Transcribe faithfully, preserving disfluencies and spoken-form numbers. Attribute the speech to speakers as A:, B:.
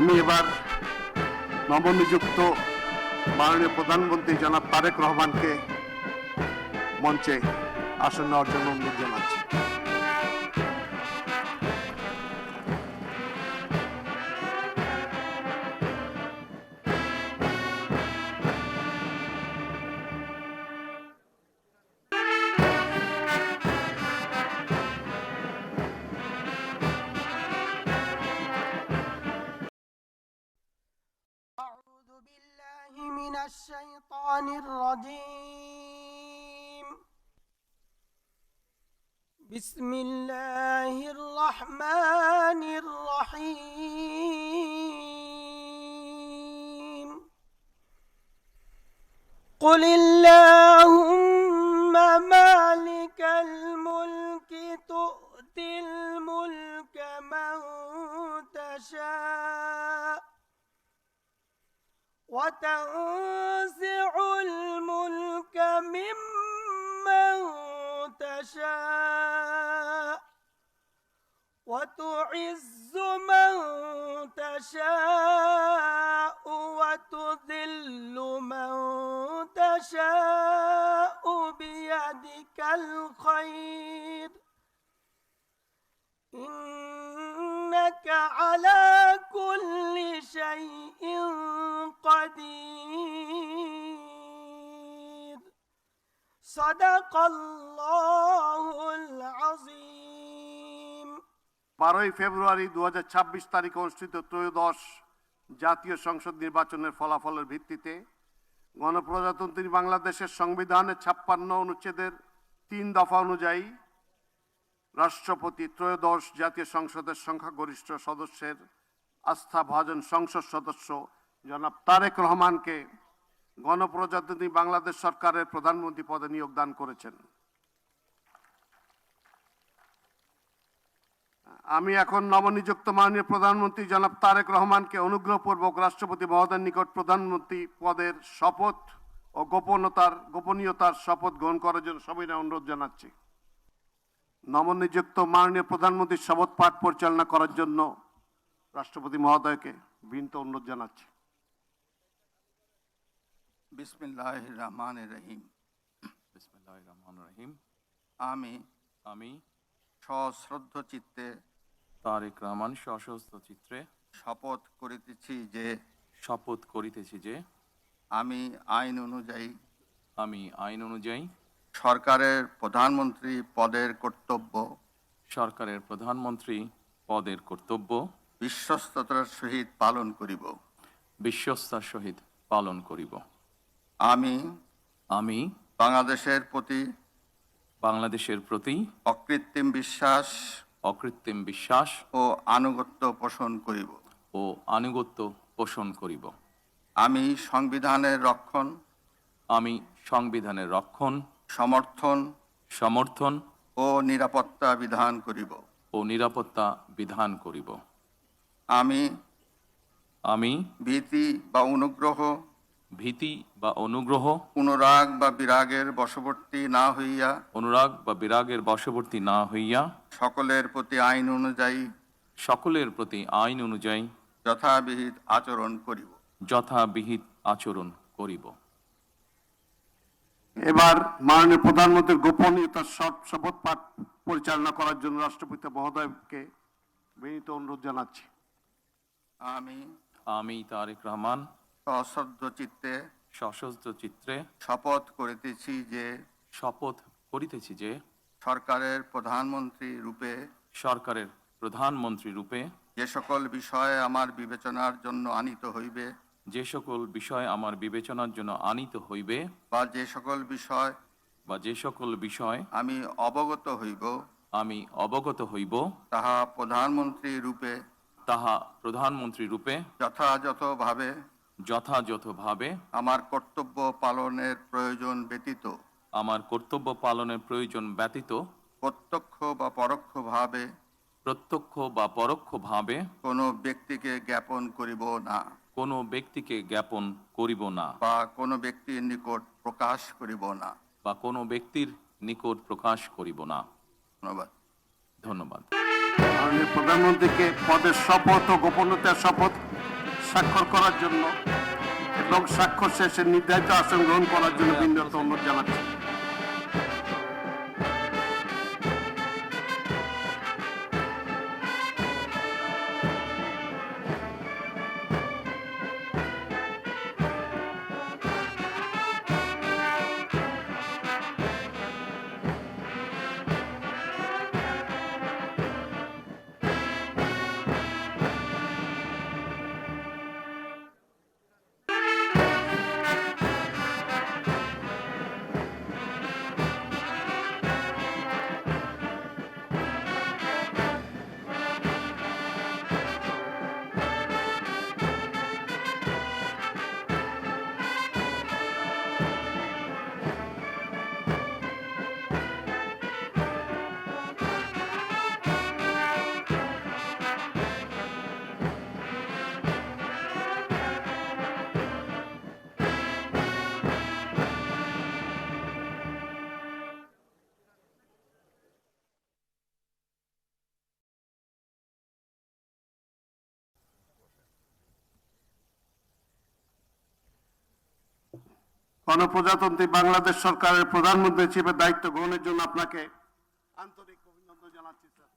A: আমি এবার নবনিযুক্ত মাননীয় প্রধানমন্ত্রী জনাব তারেক রহমানকে মঞ্চে আসন নেওয়ার জন্য অনুরোধ জানাচ্ছি।
B: أعوذ بالله من الشيطان الرجيم. بسم الله الرحمن الرحيم. قل اللهم مالك الملك تؤتي الملك من تشاء وتنزع الملك ممن تشاء وتعز من تشاء وتذل من تشاء بيدك الخير إنك على كل شيء قدير. صدق الله العظيم.
A: বারোই ফেব্রুয়ারি দু হাজার ছাব্বিশ তারিখে অনুষ্ঠিত ত্রয়োদশ জাতীয় সংসদ নির্বাচনের ফলাফলের ভিত্তিতে গণপ্রজাতন্ত্রী বাংলাদেশের সংবিধানের ছাপ্পান্ন অনুচ্ছেদের তিন দফা অনুযায়ী রাষ্ট্রপতি ত্রয়োদশ জাতীয় সংসদের সংখ্যাগরিষ্ঠ সদস্যের আস্থাভাজন সংসদ সদস্য জনাব তারেক রহমানকে গণপ্রজাতন্ত্রী বাংলাদেশ সরকারের প্রধানমন্ত্রী পদে নিয়োগ দান করেছেন। আমি এখন নবনিযুক্ত মাননীয় প্রধানমন্ত্রী জনাব তারেক রহমানকে অনুগ্রহপূর্বক রাষ্ট্রপতি মহোদয়ের নিকট প্রধানমন্ত্রী পদের শপথ ও গোপনতার গোপনীয়তার শপথ গ্রহণ করার জন্য সবিনয় অনুরোধ জানাচ্ছি। নবনিযুক্ত মাননীয় প্রধানমন্ত্রীর শপথ পাঠ পরিচালনা করার জন্য রাষ্ট্রপতি মহোদয়কে বিনীত অনুরোধ জানাচ্ছি।
C: বিসমিল্লাহির রহমানির রহিম।
D: বিসমিল্লাহির রহমানির রহিম।
C: আমি
D: আমি
C: সশ্রদ্ধ চিত্তে
D: তারেক রহমান সশস্ত্র চিত্রে
C: শপথ করিতেছি যে
D: শপথ করিতেছি যে
C: আমি আইন অনুযায়ী
D: আমি আইন অনুযায়ী
C: সরকারের প্রধানমন্ত্রী পদের কর্তব্য
D: সরকারের প্রধানমন্ত্রী পদের কর্তব্য
C: বিশ্বস্ততার সহিত পালন করিব
D: বিশ্বস্তার সহিত পালন করিব।
C: আমি
D: আমি
C: বাংলাদেশের প্রতি
D: বাংলাদেশের প্রতি
C: অকৃত্রিম বিশ্বাস
D: অকৃত্রিম বিশ্বাস
C: ও আনুগত্য পোষণ করিব
D: ও আনুগত্য পোষণ করিব।
C: আমি সংবিধানের রক্ষণ
D: আমি সংবিধানের রক্ষণ
C: সমর্থন
D: সমর্থন
C: ও নিরাপত্তা বিধান করিব
D: ও নিরাপত্তা বিধান করিব।
C: আমি
D: আমি
C: ভীতি বা অনুগ্রহ
D: ভীতি বা অনুগ্রহ
C: অনুরাগ বা বিরাগের বশবর্তী না হইয়া
D: অনুরাগ বা বিরাগের বশবর্তী না হইয়া
C: সকলের প্রতি আইন অনুযায়ী
D: সকলের প্রতি আইন অনুযায়ী
C: যথাবিহিত আচরণ করিব
D: যথাবিহিত আচরণ করিব।
A: এবার মাননীয় প্রধানমন্ত্রীর গোপনীয়তার শপথ পাঠ পরিচালনা করার জন্য রাষ্ট্রপতি মহোদয়কে বিনীত অনুরোধ জানাচ্ছি।
C: আমি
D: আমি তারেক রহমান
C: সশ্রদ্ধ চিত্তে
D: সশস্ত্র চিত্রে
C: শপথ করিতেছি যে
D: শপথ করিতেছি যে
C: সরকারের প্রধানমন্ত্রী রূপে
D: সরকারের প্রধানমন্ত্রী রূপে
C: যে সকল বিষয়ে আমার বিবেচনার জন্য আনিত হইবে
D: যে সকল বিষয় আমার বিবেচনার জন্য আনিত হইবে
C: বা যে সকল বিষয়
D: বা যে সকল বিষয়
C: আমি অবগত হইব
D: আমি অবগত হইব
C: তাহা প্রধানমন্ত্রী রূপে
D: তাহা প্রধানমন্ত্রী রূপে
C: যথাযথভাবে
D: যথাযথভাবে
C: আমার কর্তব্য পালনের প্রয়োজন ব্যতীত
D: আমার কর্তব্য পালনের প্রয়োজন ব্যতীত
C: প্রত্যক্ষ বা পরোক্ষভাবে
D: প্রত্যক্ষ বা পরোক্ষভাবে
C: কোনো ব্যক্তিকে জ্ঞাপন করিব না
D: কোনো ব্যক্তিকে জ্ঞাপন করিব না
C: বা কোনো ব্যক্তির নিকট প্রকাশ করিব না
D: বা কোনো ব্যক্তির নিকট প্রকাশ করিব না।
C: ধন্যবাদ।
D: ধন্যবাদ।
A: মাননীয় প্রধানমন্ত্রীকে পদের শপথ ও গোপনীয়তার শপথ স্বাক্ষর করার জন্য এবং স্বাক্ষর শেষে নির্ধারিত আসন গ্রহণ করার জন্য বিনীত অনুরোধ জানাচ্ছি। গণপ্রজাতন্ত্রী বাংলাদেশ সরকারের প্রধানমন্ত্রী হিসেবে দায়িত্ব গ্রহণের জন্য আপনাকে আন্তরিক অভিনন্দন জানাচ্ছি স্যার।